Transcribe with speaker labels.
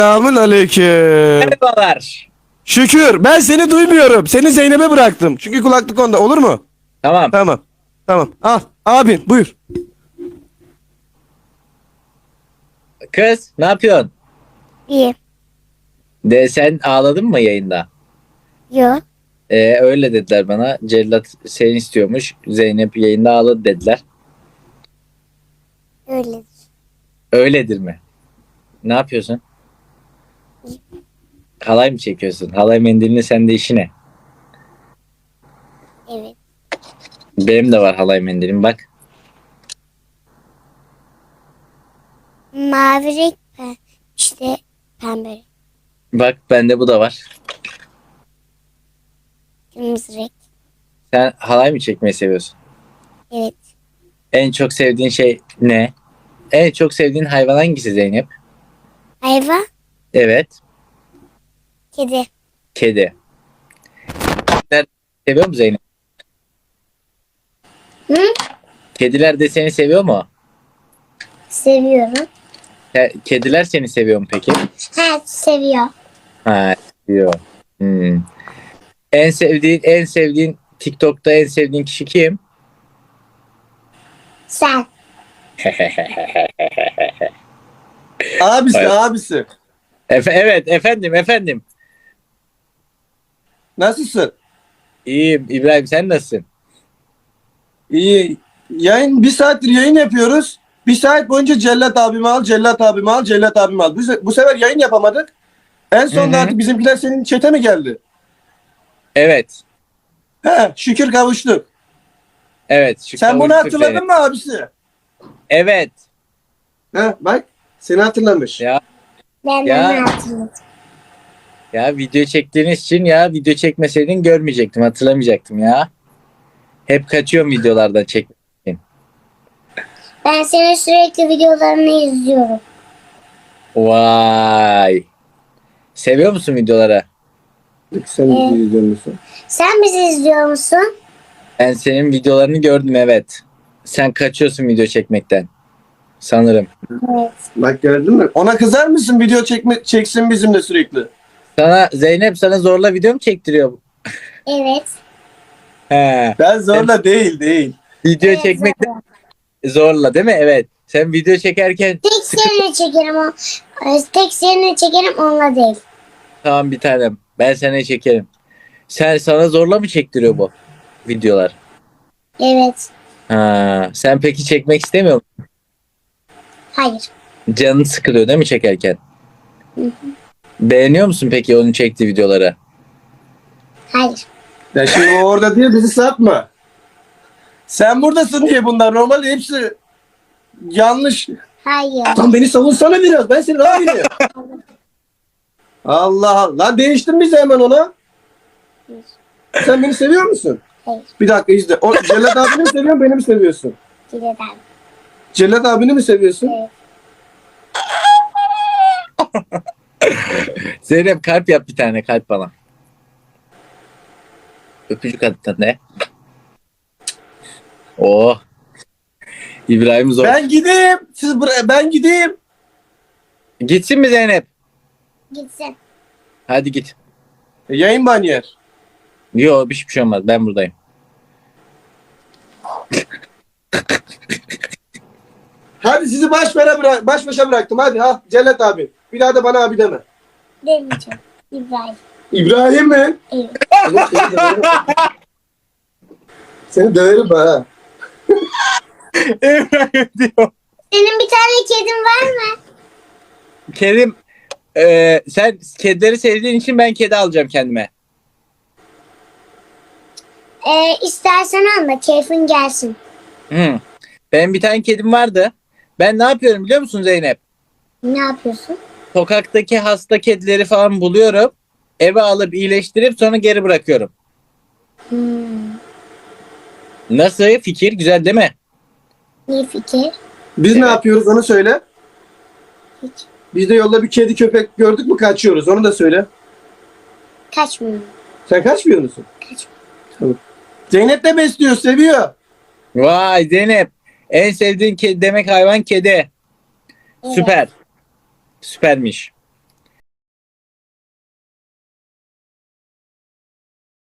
Speaker 1: Selamun aleyküm.
Speaker 2: Merhabalar.
Speaker 1: Şükür ben seni duymuyorum. Seni Zeynep'e bıraktım. Çünkü kulaklık onda, olur mu?
Speaker 2: Tamam.
Speaker 1: Tamam. Tamam. Al abin buyur.
Speaker 2: Kız ne yapıyorsun?
Speaker 3: İyi.
Speaker 2: De sen ağladın mı yayında?
Speaker 3: Yok.
Speaker 2: Öyle dediler bana. Cellat seni istiyormuş. Zeynep yayında ağladı dediler.
Speaker 3: Öyle.
Speaker 2: Öyledir mi? Ne yapıyorsun? Halay mı çekiyorsun? Halay mendilini sende işi ne?
Speaker 3: Evet.
Speaker 2: Benim de var halay mendilim bak.
Speaker 3: Mavi renk işte pembe renk.
Speaker 2: Bak bende bu da var.
Speaker 3: Kırmızı renk.
Speaker 2: Sen halay mı çekmeyi seviyorsun?
Speaker 3: Evet.
Speaker 2: En çok sevdiğin şey ne? En çok sevdiğin hayvan hangisi Zeynep?
Speaker 3: Hayvan.
Speaker 2: Evet.
Speaker 3: Kedi.
Speaker 2: Kedi. Kediler seviyor mu Zeynep?
Speaker 3: Hı?
Speaker 2: Kediler de seni seviyor mu?
Speaker 3: Seviyorum.
Speaker 2: Kediler seni seviyor mu peki?
Speaker 3: Ha, seviyor.
Speaker 2: Ha, seviyor. Hmm. En sevdiğin TikTok'ta en sevdiğin kişi kim?
Speaker 3: Sen.
Speaker 1: Abisi
Speaker 2: Evet.
Speaker 1: abisi.
Speaker 2: Evet efendim.
Speaker 1: Nasılsın?
Speaker 2: İyiyim İbrahim sen nasılsın?
Speaker 1: İyi. Yayın bir saattir yayın yapıyoruz. Bir saat boyunca Cellat abimi al, Cellat abimi al, Cellat abimi al. Bu sefer yayın yapamadık. En sonunda
Speaker 2: Hı hı.
Speaker 1: artık bizimkiler senin çete mi geldi?
Speaker 2: Evet.
Speaker 1: He, şükür kavuştuk.
Speaker 2: Evet. Şu
Speaker 1: Sen bunu
Speaker 2: kavuştuk
Speaker 1: hatırladın
Speaker 2: Zeynep.
Speaker 1: mı abisi?
Speaker 2: Evet.
Speaker 1: He, bak seni hatırlamış.
Speaker 2: Ya
Speaker 3: Ben
Speaker 2: Ya.
Speaker 3: onu hatırladım.
Speaker 2: ya video çektiğiniz için ya video çekmeseydin görmeyecektim hatırlamayacaktım ya. Hep kaçıyorum videolardan çek.
Speaker 3: Ben senin sürekli videolarını izliyorum.
Speaker 2: Vay. Seviyor musun videoları?
Speaker 1: Sen izliyor musun?
Speaker 3: Sen bizi izliyor musun?
Speaker 2: Ben senin videolarını gördüm evet. Sen kaçıyorsun video çekmekten. Sanırım.
Speaker 3: Evet.
Speaker 1: Bak gördün mü? Ona kızar mısın video çeksin bizimle sürekli?
Speaker 2: Zeynep sana zorla video mu çektiriyor?
Speaker 3: Evet.
Speaker 2: He.
Speaker 1: Ben zorla değil.
Speaker 2: Video
Speaker 3: Evet,
Speaker 2: çekmekte
Speaker 3: zorla.
Speaker 2: zorla değil mi? Evet. Sen video çekerken
Speaker 3: Tek seninle çekerim o. Tek seninle çekerim onunla değil.
Speaker 2: tamam bir tanem. Ben sana çekerim. Sana zorla mı çektiriyor bu videolar?
Speaker 3: Evet.
Speaker 2: Sen peki çekmek istemiyor musun?
Speaker 3: Hayır.
Speaker 2: Canın sıkılıyor değil mi çekerken?
Speaker 3: Hı hı.
Speaker 2: Beğeniyor musun peki onun çektiği videoları?
Speaker 3: Hayır.
Speaker 1: Ya şimdi o orada diye bizi satma. Sen buradasın diye bunlar. Normalde hepsi yanlış.
Speaker 3: Hayır.
Speaker 1: Lan beni savunsana biraz. Ben senin abinim. Allah Allah. Değiştin bizi hemen ona. Sen beni seviyor musun?
Speaker 3: Hayır.
Speaker 1: Bir dakika izle. O Cellat abini mi seviyorsun, beni mi seviyorsun?
Speaker 3: Gidelim.
Speaker 1: Cellat abini mi seviyorsun?
Speaker 3: Evet.
Speaker 2: Zeynep kalp yap bir tane kalp bana. Öpücük at bir tane. Oh. İbrahim zor.
Speaker 1: Ben gideyim. Ben gideyim.
Speaker 2: Gitsin mi Zeynep?
Speaker 3: Gitsin.
Speaker 2: Hadi git.
Speaker 1: Yayın banyer.
Speaker 2: Yok bir şey olmaz ben buradayım.
Speaker 1: Hadi sizi baş başa bıraktım. Hadi ha Cellat abi. Bir daha da bana abi deme.
Speaker 3: Demeyeceğim. İbrahim.
Speaker 1: İbrahim mi?
Speaker 3: Evet.
Speaker 1: Seni döverim ha.
Speaker 2: İbrahim diyor.
Speaker 3: Senin bir tane kedin var mı?
Speaker 2: Kerim sen kedileri sevdiğin için ben kedi alacağım kendime.
Speaker 3: İstersen alma. Keyfin gelsin.
Speaker 2: Hı. Benim bir tane kedim vardı. Ben ne yapıyorum biliyor musun Zeynep?
Speaker 3: Ne yapıyorsun?
Speaker 2: Sokaktaki hasta kedileri falan buluyorum. Eve alıp iyileştirip sonra geri bırakıyorum.
Speaker 3: Hmm.
Speaker 2: Nasıl fikir? Güzel değil mi?
Speaker 3: İyi fikir.
Speaker 1: Biz ne
Speaker 2: Evet.
Speaker 1: yapıyoruz onu söyle.
Speaker 3: Hiç.
Speaker 1: Biz de yolda bir kedi köpek gördük mü kaçıyoruz. Onu da söyle.
Speaker 3: Kaçmıyorum.
Speaker 1: Sen kaçmıyor musun?
Speaker 3: Kaçmıyorum.
Speaker 1: Zeynep de besliyor, seviyor.
Speaker 2: Vay Zeynep. En sevdiğin kedi demek hayvan kedi.
Speaker 3: Evet.
Speaker 2: Süper. Süpermiş.